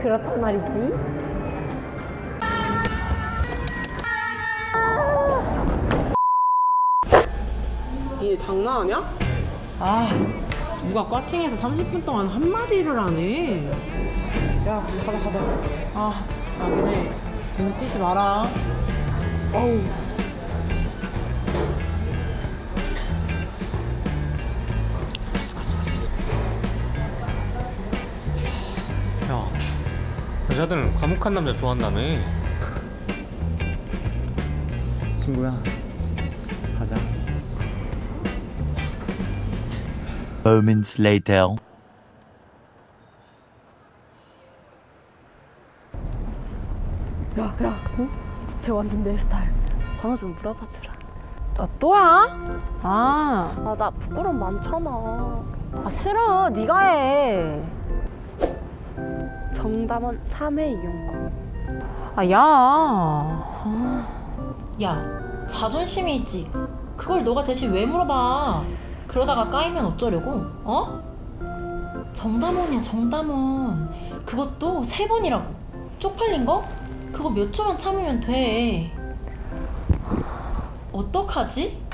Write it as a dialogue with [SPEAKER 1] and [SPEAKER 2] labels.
[SPEAKER 1] 그렇단 말이지.
[SPEAKER 2] 니네 장난하냐?
[SPEAKER 3] 아, 누가 꽈팅해서 30분 동안 한마디를 안 해.
[SPEAKER 2] 야, 가자.
[SPEAKER 3] 아, 그네. 눈에 띄지 마라.
[SPEAKER 2] 어우.
[SPEAKER 4] 야, 여자들은 과묵한 남자 좋아한다며. 친구야, 가자.
[SPEAKER 5] Moments later.
[SPEAKER 1] 야, 응? 쟤 완전 내 스타일. 번호 좀 물어봐주라. 아, 또야? 아, 나 부끄러움 많잖아. 아, 싫어. 네가 해. 정답은 3회 이용권. 아, 야.
[SPEAKER 6] 야, 자존심이 있지. 그걸 너가 대신 왜 물어봐. 그러다가 까이면 어쩌려고? 어? 정담원이야, 정담원. 그것도 3번이라고. 쪽팔린 거? 그거 몇 초만 참으면 돼. 어떡하지?